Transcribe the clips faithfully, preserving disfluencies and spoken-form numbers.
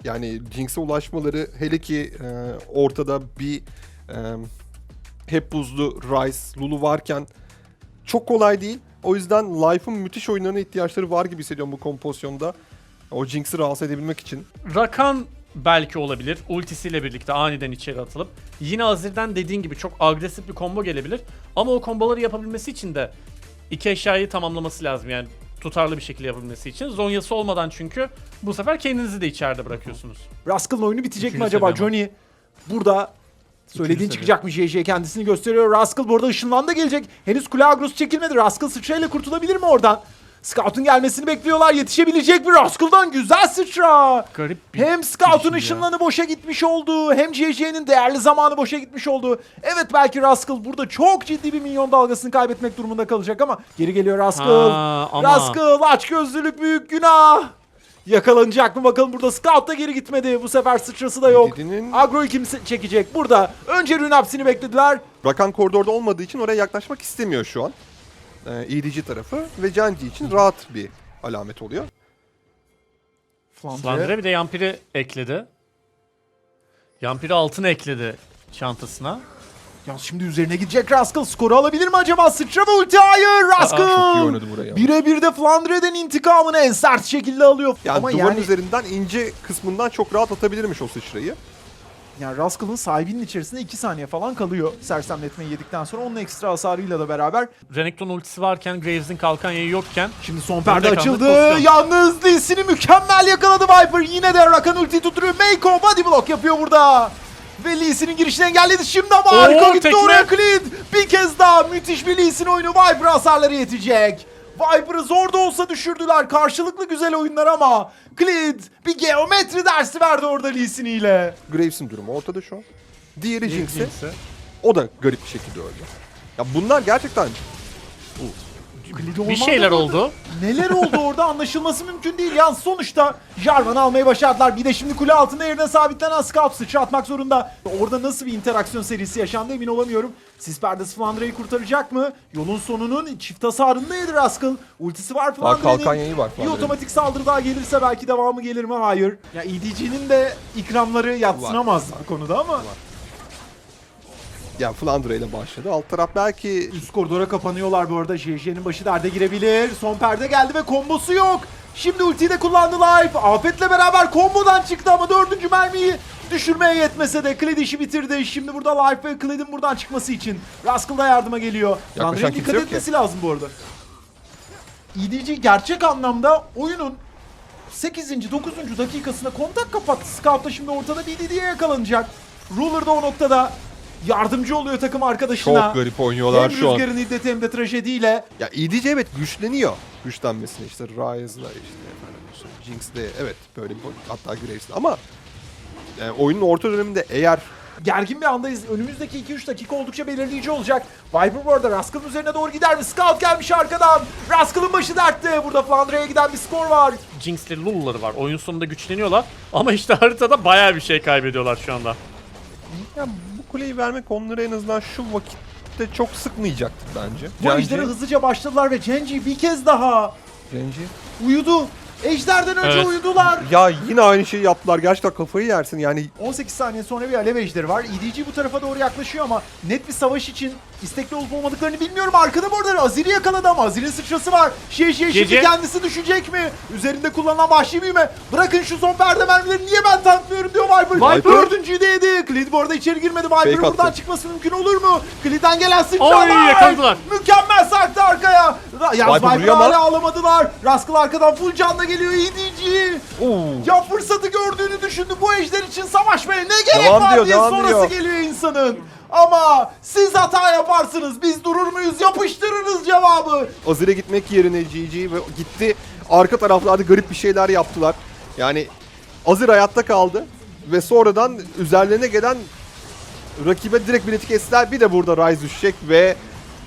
Yani Jinx'e ulaşmaları, hele ki e, ortada bir e, hep buzlu Ryze, Lulu varken çok kolay değil. O yüzden Life'ın müthiş oyunlarına ihtiyaçları var gibi hissediyorum bu kompozisyonda. O Jinx'i rahatsız edebilmek için. Rakan belki olabilir. Ultisiyle birlikte aniden içeri atılıp. Yine Azir'den dediğin gibi çok agresif bir combo gelebilir. Ama o komboları yapabilmesi için de iki eşyayı tamamlaması lazım. Yani tutarlı bir şekilde yapabilmesi için. Zonyası olmadan çünkü bu sefer kendinizi de içeride bırakıyorsunuz. Rascal'ın oyunu bitecek Üçüncü mi acaba? seviye Johnny burada söylediğin seviye. çıkacak mı? J J kendisini gösteriyor. Rascal burada ışınlan da gelecek. Henüz kule agrosu çekilmedi. Rascal sıçrayla kurtulabilir mi oradan? Scout'un gelmesini bekliyorlar. Yetişebilecek mi? Rascal'dan güzel sıçra. Garip bir Hem Scout'un girişim ya. ışınlanı boşa gitmiş oldu. Hem J J'nin değerli zamanı boşa gitmiş oldu. Evet, belki Rascal burada çok ciddi bir minyon dalgasını kaybetmek durumunda kalacak ama geri geliyor Rascal. Ha, ama- Rascal açgözlülük büyük günah. Yakalanacak mı bakalım, burada Scout da geri gitmedi. Bu sefer sıçrası da yok. Dediğinin- Agro'yu kim çekecek? Burada önce Rünapsi'ni beklediler. Rakan koridorda olmadığı için oraya yaklaşmak istemiyor şu an. Ee, E D G tarafı ve Genji için rahat bir alamet oluyor. Flandre bir de Yampiri ekledi. Yampiri altın ekledi çantasına. Ya şimdi üzerine gidecek Rascal. Skoru alabilir mi acaba? Sıçra ve ulti, hayır. Rascal. çok iyi oynadı burayı. Birebir de Flandre'den intikamını en sert şekilde alıyor. Yani Ama duvarın yani, üzerinden ince kısmından çok rahat atabilirmiş o sıçrayı. yani Rascal'ın sahibinin içerisinde iki saniye falan kalıyor. Sersemletmeyi yedikten sonra onun ekstra hasarıyla da beraber. Renekton ultisi varken, Graves'in kalkan yayı yokken Şimdi son perde Örnek açıldı. anlık pozisyon. Yalnız Lee Sin'i mükemmel yakaladı Viper. Yine de Rakan ulti tutturuyor. Meiko body block yapıyor burada. Ve Lee Sin'in girişini engelledi. Şimdi ama Oo, harika gitti tekme. oraya Clint. Bir kez daha müthiş bir Lee Sin oyunu. Viper hasarları yetecek. Viper'ı zor da olsa düşürdüler. Karşılıklı güzel oyunlar ama Clint bir geometri dersi verdi orada Lee Sin ile. Graves'in durumu ortada şu an. Diğeri Jinx'e. Jinx'e. O da garip bir şekilde öldü. Ya bunlar gerçekten bir şeyler oldu. Neler oldu orada anlaşılması mümkün değil. Yani sonuçta Jarvan'ı almayı başardılar. Bir de şimdi kule altında yerine sabitlenen Scout sıçra atmak zorunda. Orada nasıl bir interaksiyon serisi yaşandı emin olamıyorum. Sis perdesi Flandre'yi kurtaracak mı? Yolun sonunun çift hasarında yedi Rascal. Ultisi var kalkan Flandre'nin. yayı var Bir Flandre'nin. otomatik saldırı daha gelirse belki devamı gelir mi? Hayır. Ya E D G'nin de ikramları yadsınamaz bu konuda ama. ya Flandre ile başladı. Alt taraf belki Üst koridora kapanıyorlar bu arada. J J'nin başı derde girebilir. Son perde geldi ve kombosu yok. Şimdi ultiyi de kullandı Life. Afet'le beraber kombodan çıktı ama dördüncü mermiyi düşürmeye yetmese de Kled işi bitirdi. Şimdi burada Life ve Kled'in buradan çıkması için Rascal da yardıma geliyor. Flandre'nin kimse dikkat yok etmesi ki. lazım bu arada. E D G gerçek anlamda oyunun sekizinci dokuzuncu dakikasında kontak kapattı. Scout da şimdi ortada B D D'ye yakalanacak. Ruler da o noktada yardımcı oluyor takım arkadaşına. çok garip oynuyorlar Hem şu an. rüzgarın iddeti hem de trajediyle. Ya E D G evet güçleniyor. Güçlenmesine işte Ryze'la işte efendim Jinx'le evet böyle bir hatta Graves'le ama yani oyunun orta döneminde eğer Gergin bir andayız. Önümüzdeki iki üç dakika oldukça belirleyici olacak. Viper bu arada Rascal'ın üzerine doğru gider mi? Scout gelmiş arkadan. Rascal'ın başı dertte. Burada Flandre'ye giden bir skor var. Jinx'le Lulu'ları var. Oyun sonunda güçleniyorlar. Ama işte haritada bayağı bir şey kaybediyorlar şu anda. ya bu kuleyi vermek onları en azından şu vakitte çok sıkmayacaktır bence. Bu ejdere hızlıca başladılar ve Genji bir kez daha Genji. uyudu. Ejderden önce Evet. uyudular. Ya yine aynı şeyi yaptılar. Gerçekten kafayı yersin yani. on sekiz saniye sonra bir alev ejderi var. E D G bu tarafa doğru yaklaşıyor ama net bir savaş için istekli olup olmadıklarını bilmiyorum. Arkada bu arada Azir'i yakaladı ama Azir'in sıçrası var. Şey şey şimdi Gece. kendisi düşecek mi? Üzerinde kullanılan vahşi büyüme. Bırakın şu son perde mermileri, niye ben tanklıyorum diyor Viper. Viper. Dördüncüyü de yedi. Clid bu arada içeri girmedi. Viper'ın Fake buradan attı. çıkması mümkün olur mu? Clid'den gelen Oy, sıçralar. yakaladılar. Mükemmel sarktı arkaya. Ra- Yalnız Viper Viper'ı vuruyor ama- hala alamadılar. Rascal arkadan full canla geliyor E D G. Oo. Ya fırsatı gördüğünü düşündü, bu ejder için savaşmaya ne gerek Devam var diyor, diye devam sonrası diyor. geliyor insanın. Ama siz hata yaparsınız, biz durur muyuz, yapıştırırız cevabı. Azir'e gitmek yerine G G ve gitti. Arka taraflarda garip bir şeyler yaptılar. Yani Azir hayatta kaldı ve sonradan üzerlerine gelen rakibe direkt bileti kestiler. Bir de burada Ryze düşecek ve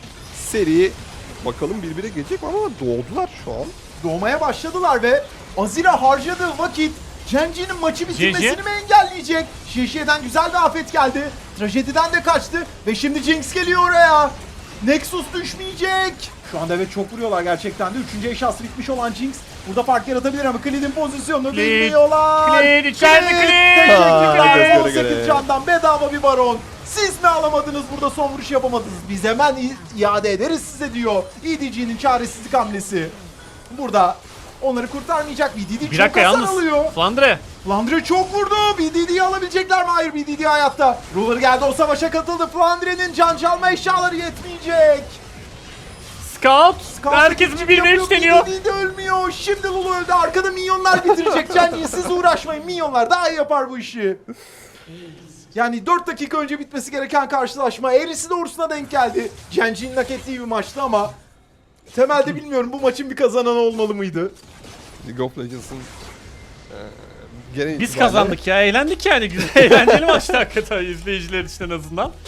seri bakalım birbirine gelecek ama doğdular şu an. Doğmaya başladılar ve Azir'e harcadığı vakit Genji'nin maçı bitirmesini Genji. mi engelleyecek? Şişe'den güzel bir afet geldi. Trajediden de kaçtı ve şimdi Jinx geliyor oraya. Nexus düşmeyecek. Şu anda evet çok vuruyorlar gerçekten de. Üçüncü eşyası bitmiş olan Jinx Burada fark yaratabilir ama Klid'in pozisyonunu Klid, bilmiyorlar. Klid, içeride Klid. Teşekkürler. Aa, göz göre on sekiz göre. candan bedava bir baron. Siz mi alamadınız burada, son vuruş yapamadınız? Biz hemen i- iade ederiz size diyor. E D G'nin çaresizlik hamlesi. Burada onları kurtarmayacak. B D D Bir çok dakika hasar yalnız. alıyor. Flandre. Flandre çok vurdu. B D D'yi alabilecekler mi? Hayır, B D D hayatta. Ruler geldi, o savaşa katıldı. Flandre'nin can çalma eşyaları yetmeyecek. Scout. Scout Herkes ikinci bir ve üç yapıyor, deniyor. B D D de ölmüyor. Şimdi Lulu öldü. Arkada minyonlar bitirecek. Cengiz siz uğraşmayın. Minyonlar daha iyi yapar bu işi. Yani dört dakika önce bitmesi gereken karşılaşma Eris'in doğrusuna denk geldi. Genji'nin hak ettiği bir maçtı ama temelde bilmiyorum, bu maçın bir kazananı olmalı mıydı? League of Legends'ın e, genel Biz itibariyle- kazandık ya. Eğlendik yani. Güzel eğlenceli maçtı hakikaten izleyiciler için en azından.